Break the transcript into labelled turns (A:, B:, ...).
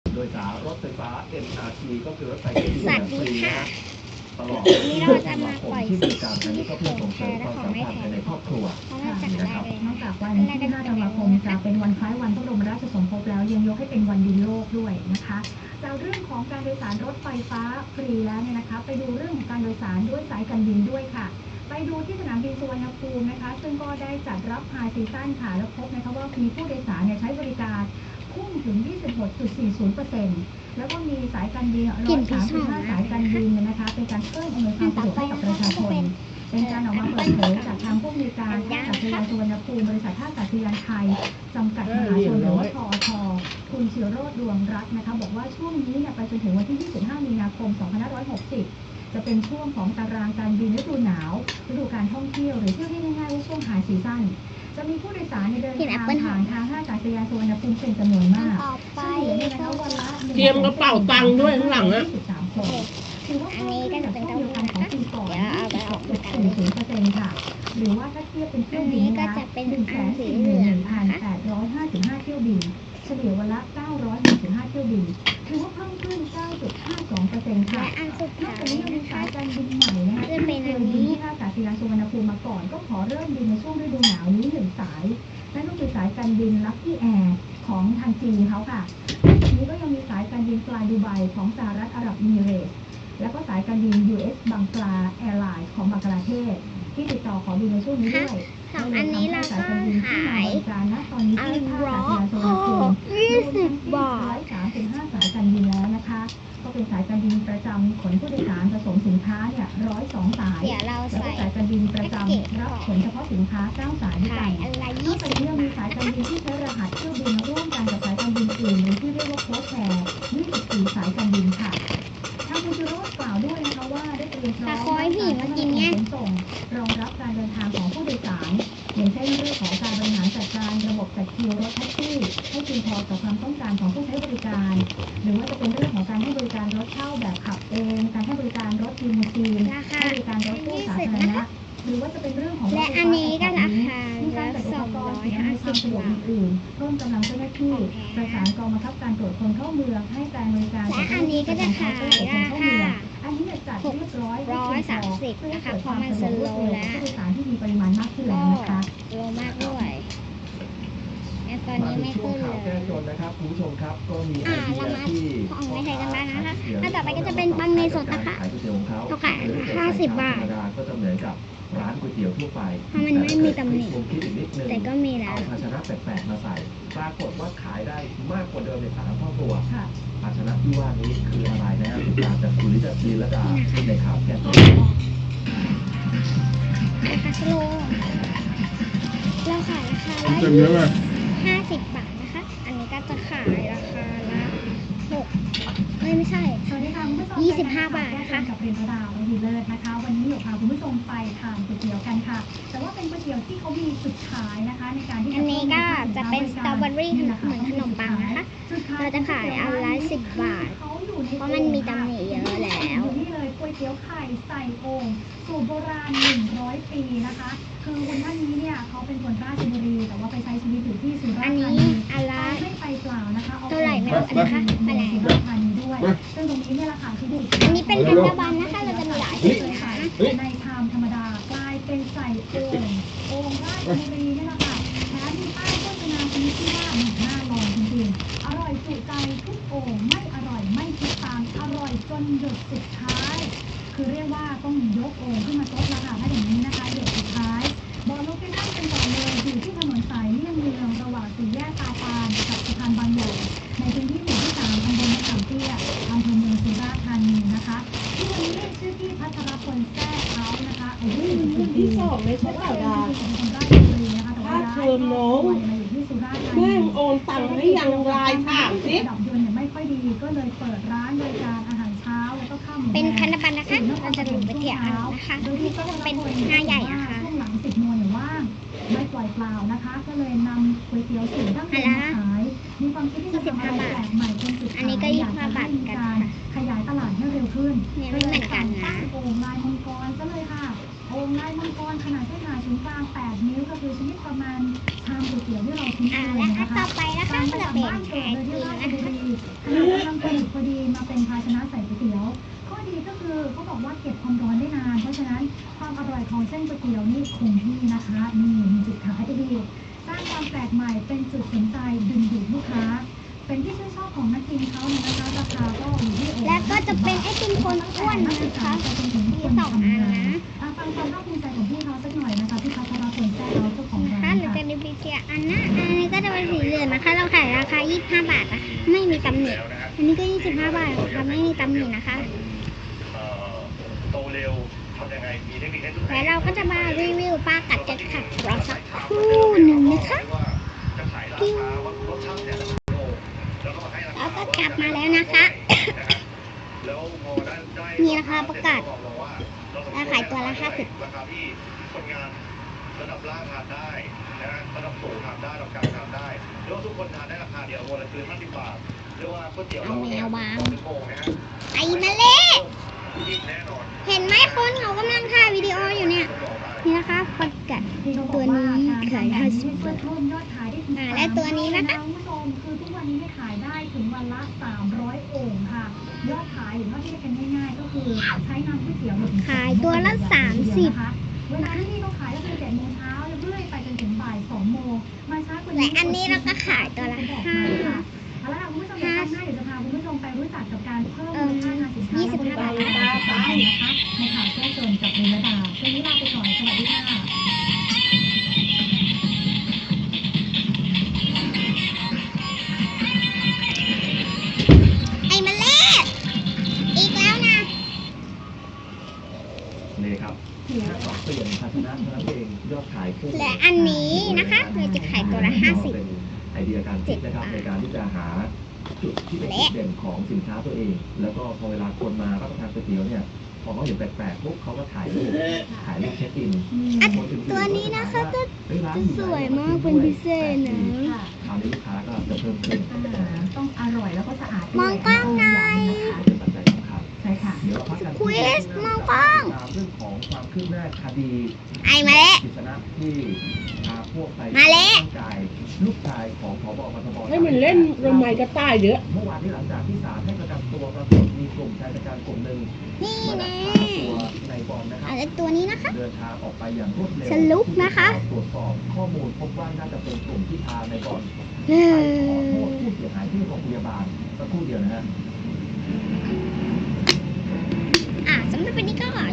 A: โดยสารรถไฟฟ้า MRT ก็คือรถไฟที่ฟรีนะตลอด
B: นี้เราจะมาปล่อย
A: ที่บริการอันนี้ก็เพื่อส่งเสริมความสัมพันธ์ภายในครอบครัว
B: นะครับ
C: นอกจากวันที่5 ธันวาคมจะเป็นวันคล้ายวันพระบรมราชสมภพแล้วยังยกให้เป็นวันดินโลกด้วยนะคะจากเรื่องของการโดยสารรถไฟฟ้าฟรีแล้วเนี่ยนะคะไปดูเรื่องของการโดยสารด้วยสายการบินด้วยค่ะไปดูที่สนามบินสุวรรณภูมินะคะซึ่งก็ได้จัดรับไฮซีซั่นค่ะแล้วพบนะคะว่ามีผู้โดยสารใช้บริการพุ่งถึง 26.40%แล้วก็มีสายการบิน135 สายการบินนะคะเป็นการเพิ่มอำนวยความสะดวกให้กับประชาชนเป็นการออกมาเปิดเผยจากทางผู้มีการท่าอากาศยานสุวรรณภูมิบริษัทท่าอากาศยานไทยจำกัดมหาชนหรือว่าทอทคุณศิโรจน์ดวงรัตน์นะคะบอกว่าช่วงนี้ไปจนถึงวันที่ 25 มีนาคม 2560 จะเป็นช่วงของตารางการบินฤดูหนาวฤดูการท่องเที่ยวหรือเที่ยวที่ง่ายๆว่าช่วงไฮซีซั่นจะมีผู้โดยสารเดินทางผ่านทางท่าอากาศยานสุวรรณภูมิเป็นจำนวนมาก
B: เตรียมกระเป๋าตังค์ด้วยข้างหลังอะ
C: อันนี้ก็จะเป็นเท่ากันของปีก่อน26.40%ค่ะหรือว่าถ้าเทียบเป็นเที่ยวบินนะ141,855 เที่ยวบินเฉลี่ยวันละ965 เที่ยวบินถือว่าเพิ่มขึ้น 9.52% ค่ะนอกจากนี้ยังมีสายการบินใหม่นะคะที่เคยบินที่ท่าอากาศยานสุวรรณภูมิมาก่อนก็ขอเริ่มบินในช่วงฤดูหนาวนี้1 สายนั่นก็คือสายการบิน Lucky Air ของทางจีนเขาค่ะนอกจากนี้ก็ยังมีสายการบิน Fly Dubai ของสหรัฐอาหรับเอมิเรตส์แล้วก็สายการบิน US บังกลาแอร์ไลน์ของบังกลาเทศที่ติดต่อขอบินในช่วงนี้ด้วย
B: อันนี้เราก็ขาย
C: ตอนนี้ที่ท่าอากาศยานสุวรรณภูมิ
B: 20 บาท
C: 135 สายการบินแล้วนะคะก็เป็นสายการบินประจำขนผู้โดยสารผสมสินค้า102 สายแล้วก็สายการบินประจำรับขนเฉพาะสินค้า9 สายด้วยกันนอกจากนี้ยังมีสายการบินที่ใช้รหัสเที่ยวบินร่วมกันกับสายการบินอื่นหรือที่เรียกว่าโค้ชแชร์24 สายการบินค่ะทางคุณจิโร่กล่าวด้วยนะคะว่าได้เตรียมพร้อมการขนส่งรองรับการเดินทางของผู้โดยสารอย่างเช่นเรื่องของการบริหารจัดการระบบจัดคิวรถแท็กซี่ให้เพียงพอต่อความต้องการของผู้ใช้บริการหรือว่าจะเป็นเรื่องของการให้บริการรถเช่าแบบขับเองการให้บริการรถลิมูซีนให้บริการรถตู้สาธารณะหรือว่าจะเป็นเรื่องของ
B: และอันนี้ก็ราคา
C: ละ250 บาทอื่นเพิ่มกำลังเจ้าหน้าที่ประสานกองบังคับการตรวจคนเข้าเมืองให้การบริการ
B: และอันนี้ก็จะขายราคา
C: อันนี้จัดเรียบร้อย
B: 130นะคะเพราะมันสโลว์แล้ว
C: ผู้โดยสารที่มีปริมาณมากขึ้นแล้วนะคะ
B: โลมากด้วยตอนนี้ไม่ขึ้นเลย
A: แก้จนนะครับคุณผู้ชมครับก็มีไอเดียที่
B: ของในไทยกันบ้างนะคะแล้วต่อไปก็จะเป็นปังในสดนะคะเขาขาย50 บาท
A: ก็จะเหมือนกับร้านก๋วยเตี๋ยวทั่วไป
B: เพราะมันไม่มีตำหนิแต่ก็มีแล้ว
A: เอาภาชนะแปลกๆมาใส่ปรากฏว่าขายได้มากกว่าเดิมใน3 เท่าตัวภาชนะที่ว่านี้คืออะไรนะติดตามจากคุณลิลดาในข่าวแก้จน
B: ราคาสโลเราขายราคาละ50 บาทนะคะอันนี้ก็จะขายราคาละไม่ใช่
C: สวัสดีค่ะคุณผู้ชม
B: 25 บาทนะคะ
C: กับเรียนระดาวดีเลิศนะคะวันนี้อยู่พาคุณผู้ชมไปทานก๋วยเตี๋ยวกันค่ะแต่ว่าเป็นก๋วยเตี๋ยวที่เขามีจุดขายนะคะในการที่
B: อันนี้ก็จะเป็นสตรอเบอรี่เหมือนขนมปังนะคะเราจะขายอันละ10 บาทเพราะมันมีตำหนิเยอะแล้ว
C: นี่เลยก๋วยเตี๋ยวไข่ใส่โอ่งสูตรโบราณ100 ปีนะคะคือคุณท่านนี้เนี่ยเขาเป็นคนราชบุรีแต่ว่าไปใช้ชีวิตอยู่ที่สุราษฎร์ธานีไม่ไปเปล่านะคะ
B: เท่าไหร่ไม่รู้นะคะมาแล้ว
C: สุราษฎร์ธานีด้วยซึ่งตรงนี้เนี่ยราคาที่ดี
B: อันนี้เป็นพันธบัตรนะคะเราจะมีหลายสีนะคะ
C: ในชามธรรมดากลายเป็นใส่โอ่งราชบุรีนี่แหละค่ะแถมมีป้ายโฆษณาชนิดที่ว่าน่าลองจริงๆอร่อยจุใจทุกโอ่งไม่อร่อยไม่คิดตามอร่อยจนหยดสุดท้ายคือเรียกว่าต้องยกโอ่งขึ้นมาซดละค่ะถ้าอย่างนี้นะคะหยดสุดท้ายบอกโลเคชั่นกันก่อนเลยอยู่ที่ถนนสายเลี่ยงเมืองระหว่างสี่แยกตาปานกับสะพานบางใหญ่ในพื้นที่หมู่ที่ 3ตำบลมะขามเตี้ยอำเภอเมืองสุราษฎร์ธานีนะคะที่วันนี้ชื่อที่พัทรพลแท้เขานะคะอายุ40 ปี
D: ไม่ใช่เต่าดา
C: เป็นคนราชบุรีนะคะแต่ว่าย้ายมาอยู่ที่สุราษฎร์ธานี
D: แม่โอนตังค์ให้ยังรายถามสิ
C: ดับยนต์เนี่ยไม่ค่อยดีก็เลยเปิดร้านบริการอาหารเช้าแล้วก็ข้าวหมู
B: เป็นพันธบัตรนะคะเราจะดูไปเที่ยวนะคะนี่ก็จะเป็น5 ใหญ่นะคะ
C: ช่วงหลัง10 โมงเนี่ยว่างไม่ปล่อยเปล่านะคะก็เลยนำก๋วยเตี๋ยวสูตรดั้งเดิมมาขายมีความคิดที่จะทำอะไรแปลกใหม่เป็นจุดขายอยากจะให้มีการขยายตลาดให้เร็วขึ้น
B: ไม่เหมือนกันนะ
C: โอ่งลายมังกรก็เลยค่ะโอ่งลายมังกรขนาดเส้นผ่าศูนย์กลาง8 นิ้วก็คือชนิดประมาณชามก๋วยเตี๋ยวที่เราคุ้นเคย
B: และ
C: นะคะ
B: ต่อไปนะคะก็จะเป็นไข่ตีนะคะ
C: ดีก็คือเขาบอกว่าเก็บความร้อนได้นาน เพราะฉะนั้นความอร่อยของเส้นก๋วยเตี๋ยวนี่คงที่นะคะนี่มีจุดขายที่ดีสร้างความแปลกใหม่เป็นจุดสนใจดึงดูดลูกค้า เป็นที่ชื่นชอบของนักกินเขาเนี่ยนะคะราคาก็อยู่ที่
B: และก็จะเป็นไอติมคนอ้วนนะคะมี2 อันนะ
C: ฟังความภาคภูมิใจของพี่เขาสักหน่อยนะคะพี่พัชรพลแซ่เอาเจ้าของ
B: นะ
C: ร้า
B: คะ
C: น
B: หรือ
C: ค่ะ
B: จะรีวิวเทียอันนะอันนี้ก็จะเป็นสีเหลืองนะคะ เราขายราคา 25 บาทนะคะไม่มีตำหนิอันนี้ก็ 25 บาทนะคะไม่มีตำหนินะคะ
E: โตเร็วทำยังไงมีเทคนิคให้ทุก
B: และเราก็จะมารีวิวปลากัดจะขัดรอสักครู่หนึ่งนะคะ
E: ว่าจะขายราคาว่ารสชาติเนี่ยแล้วก็ให้รา
B: แล้ว
E: คา
B: ก็กลับมาแล้วนะคะ
E: แล้วพอได้
B: มีราคาประกาศราคาขายตัวละ50
E: ราคาที่คนงานระดับล่างทานได้นะระดับสูงทานได้ระดับกลางทานได้เรียกว่าทุกคนทานได้ราคาเดียววันละคือ50 บาทเรียกว่าก๋วยเตี๋ยว
B: เอาแมววาง
E: เป็นโมงนะฮะ
B: ไอ้มาเล่
E: ยิ่งแน่นอน
B: เห็นไหมคนเขากำลังถ่ายวิดีโออยู่เนี่ย นี่นะคะปลากัด ตัวนี้ขาย50 บาท
C: เพิ่มยอดขายได้ถึง
B: และตัวนี้นะคะ
C: คุณผู้ชมคือทุกวันนี้เนี่ยขายได้ถึงวันละ300 โอ่งค่ะ ยอดขายหรือว่าที่เรียกกันง่ายๆ ก็คือใช้น้ำก๋วยเตี๋ยว1
B: ขายตัวละ30
C: นะคะเวลาที่นี่เขาขายก็คือ7 โมงเช้าเรื่อยไปจนถึงบ่าย 2 โมงมาช้ากว่านี้
B: และอันนี้เราก็ขายตัวละ
C: บอกมาค่ะเอาละค่ะคุณผู้ชมเดี๋ยวครั้งหน้าเดี๋ยวจะพาคุณผู้ชมไปรู้จักกับการเพิ่มมูลค่าทางสินค้าและบริการของร้านนะคะในข่าวแจ้งเกินกับเรนดาวันนี้ลาไปก่อนสวัสดีค่ะ
B: ไอ้มาเล่อีกแล้วนะ
A: นี่ครับแค่ปรับเปลี่ยนภาชนะเท่านั้นเองยอดขายพุ่ง
B: และอันนี้นะคะเราจะขายตัวละ
A: เป็นไอเดียการคิดนะครับ
B: 50
A: ในการที่จะหาจุดที่เป็นจุดเด่นของสินค้าตัวเอง แล้วก็พอเวลาคนมารับประทานก๋วยเตี๋ยวเนี่ยพอเขาเห็นแปลกๆปุ๊บเขาก็ถ่ายรูปเช็คอิน
B: อันตัวนี้นะคะก็จะสวยมากเป็นพิเศษนะ
C: ค่ะ
A: คราวนี้ลูกค้าก็จะเพิ่มขึ้น
C: ต้องอร่อยแล้วก็สะอาดด้วย
B: มองกล้องหน่อย
A: เป็นปัจจัยสำคัญ
C: ใช่ค่ะ
A: เดี๋ยวเราพักกัน
B: ควิสมองกล้อง
A: ตามเรื่องของความคืบหน้าคดี
B: ไอ้มาเล่
A: กิษณะที่พาพวกไป
B: มาเละ
A: ร่างกายลูกชายของผบกทบ
D: ให้มันเล่นรำไมกระต่ายเยอะ
A: เมื่อวานนี้หลังจากที่ศาลให้ประกันตัวปรากฏมีกลุ่มชายชะกันกลุ่มหนึ่ง
B: นี่
A: มาดั
B: นะ
A: กพาตัวในบอลนะครับ
B: อะไรตัวนี้นะคะ
A: เดินทางออกไปอย่างรวดเร็ว
B: สรุปนะคะ
A: ตรวจสอบข้อมูลพบว่าน่าจะเป็นกลุ่มที่พาในบอล
B: เอ
A: ไปขอ
B: อ
A: โทษผู้เสียหายที่โรงพยาบาลสักครู่เดียวนะฮะ
B: สำหรับวันนี้ก็